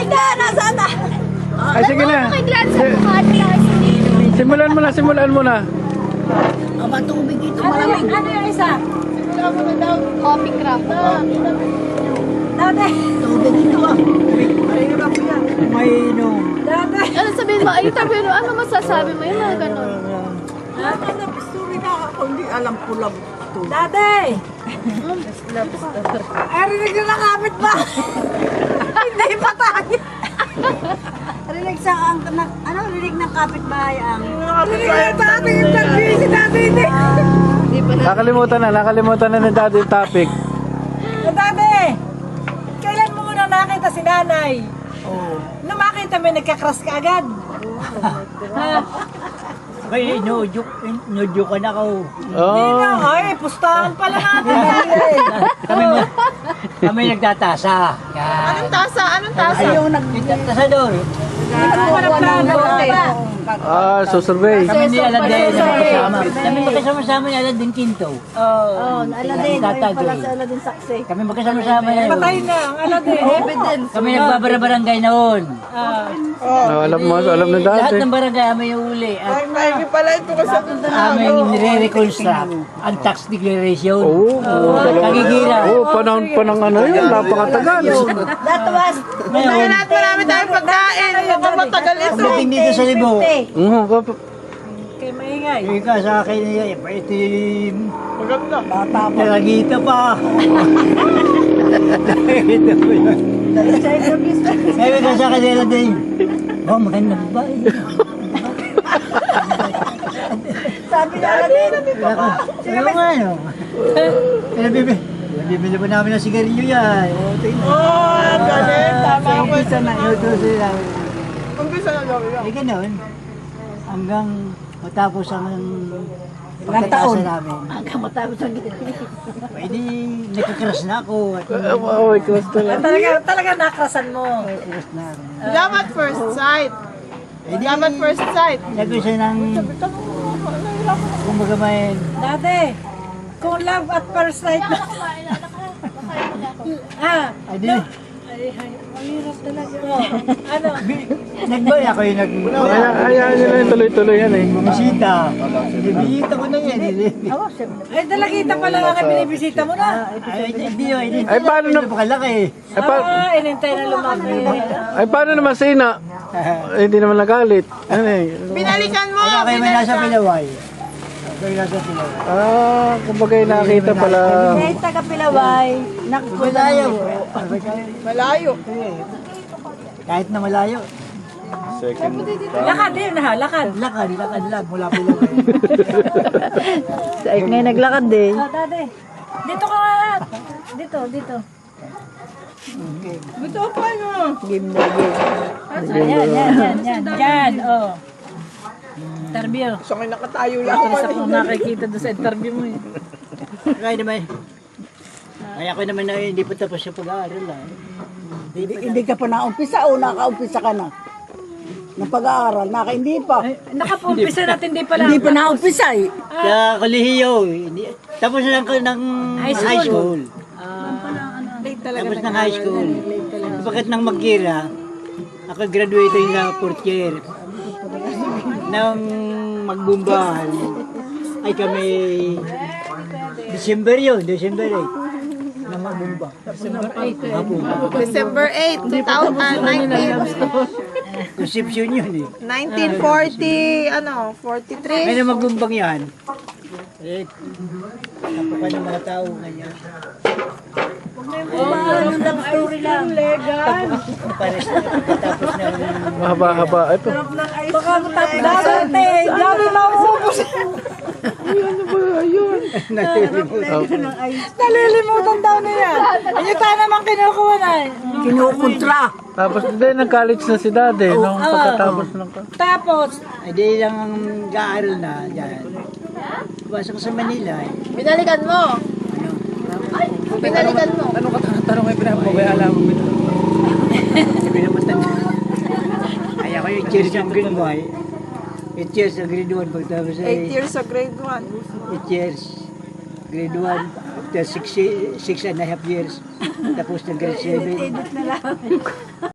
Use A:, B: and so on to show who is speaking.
A: na, nasaan na?
B: Ay, sige na. Simulan mo na, simulan mo na.
A: Aba, tubig ito, malamig.
C: Ano yung isa? Coffee craft.
A: Dati. Tubig ito ah.
D: May inom.
A: Dati.
C: Ano sabihin mo? Ay, sabihin mo, ano masasabi mo? Yung mga ganun.
A: Dati na story na ako, hindi alam ko lang ito. Dati. Ay, rinig na nakapit ba? Hindi pa tayo. Rinig sa ano, rinig ng kapitbahay ang... Rinig na tayo yung nag-busy dati hindi.
B: Nakalimutan na ni Daddy yung topic.
A: Dati, kailan mo muna nakita si nanay? Oo. Nung makita mo, nagka-crush ka agad.
D: Kaya inudyok ka na ako.
A: Hindi na, ay, pustahan pala natin.
D: Kami nagtatasa. Yan.
C: Anong tasa? Anong tasa?
D: Nagtatasa doon.
B: Susurvey.
D: Kami ni Aladin na magkasama. Kami magkasama-sama ni Aladin Quinto.
A: Oo, Aladin.
D: Tata
A: Ayun pala
D: Joy.
A: sa Aladin saksi.
D: Kami magkasama-sama yan.
A: Patay na, ang Aladin. Evidence.
D: Kami nagbabara-barangay noon.
B: Alam na
D: Lahat
B: Daddy.
D: ng barangay kami yung uli. At
A: Maigi pala ito kasi
D: aming nire-reconstruct ang tax declaration.
B: Oo.
D: Kagigira.
B: Oo, panahon pa ng ano yun, napakatagal.
A: That was...
D: Ngayon,
A: marami tayong pagkain. Matagal
D: pagdating dito sa Libo,
A: Kay maingay.
D: ika sa akin niya, itim. Maganda. Nalagita pa. Nalagita pa yun. Ngayon ka sa kanila din. Oh, maganda ba?
A: Sabi na Aladin.
D: Ano nga, no? Bibili pa namin ng sigarilyo yan.
A: Galing. Tama ko.
D: Umpisa na, ito sila.
A: Umpisa na daw yan.
D: Eh, ganun. Hanggang matapos ang
A: taon.
D: pagkatasa namin.
A: Hanggang matapos ang gito.
D: Pwede, nagkakras na ako. At
B: May crush talaga.
A: Talaga nakrasan mo.
D: nagkakras na ako.
E: Love at first sight.
D: Eh, di,
E: Love at first sight.
D: Lagay siya ng... Kumbaga may...
A: Dati, kung love at first sight na.
D: Ay, di.
A: Ang hirap talaga. Ano?
D: Nagbay ako yung nag...
B: Hayaan nyo lang yung tuloy-tuloy yan eh.
D: Bumisita. Bibisita ko na yan.
A: Ay, dalagita pala nga binibisita mo na.
D: Ay, hindi yun. Hindi.
B: Ay, paano na-
D: Napakalaki.
A: Inintay na lumaki.
B: Ay, paano naman si Ina? Hindi naman nagalit. Ano eh?
E: Binalikan mo!
D: Ano kayo may nasa Pilaway? Kayo nasa Pilaway.
B: Kumbaga yung nakita pala.
A: May taga-Pilaway.
D: Malayo.
E: Malayo.
D: Kahit na malayo.
A: Lakad din ha, lakad.
D: Lakad lang mula Pilaway.
A: Ngayon naglakad eh. Dati. Dito ka nga. Dito. Dito pa no. Game na game. Yan. Oh. Interview.
E: So, may nakatayo lang.
A: Isa pong nakikita doon sa interview mo eh.
D: Kaya naman. Kaya ko naman na hindi pa tapos yung pag-aaral.
F: Hindi ka pa naumpisa o nakaumpisa ka na? Ng pag-aaral, hindi pa.
A: Nakapumpisa natin di pala.
F: Hindi pa naumpisa eh.
D: Sa kolehiyo. Tapos na ng high school. Tapos ng high school. Pagkat ng Magkira, ako graduated na 4th year. Nang magbumbahan, ay kami December 8. Na magbumba.
E: December 8, 2019.
D: Conception yun eh.
E: 1940, 43.
D: Ngayon na magbumbang yan. Eh, napakan ng mga tao ganyan.
A: Yung love story lang.
D: Pares na pagkatapos na
B: Mahaba-haba. Ito.
A: Baka matapos dati. Dami maubos. Nalilimutan daw niya. Ayun tayo naman kinukuha na.
F: Kinukontra.
B: Tapos din, nag-college na si Daddy. Nung pagkatapos ng...
A: Tapos,
D: ay di lang ang gaaral na dyan. Pasok sa Manila eh.
E: Binalikan mo. Binalikan mo.
B: Tanong ay pinapabay-alam mo.
D: Sabi naman tanda. Ay ako yung cheers ng grade 1. 8 years sa grade 1 pagtapos
E: 8 years sa grade 1.
D: 8 years. Grade 1. After 6 and a half years. Tapos ng grade 7.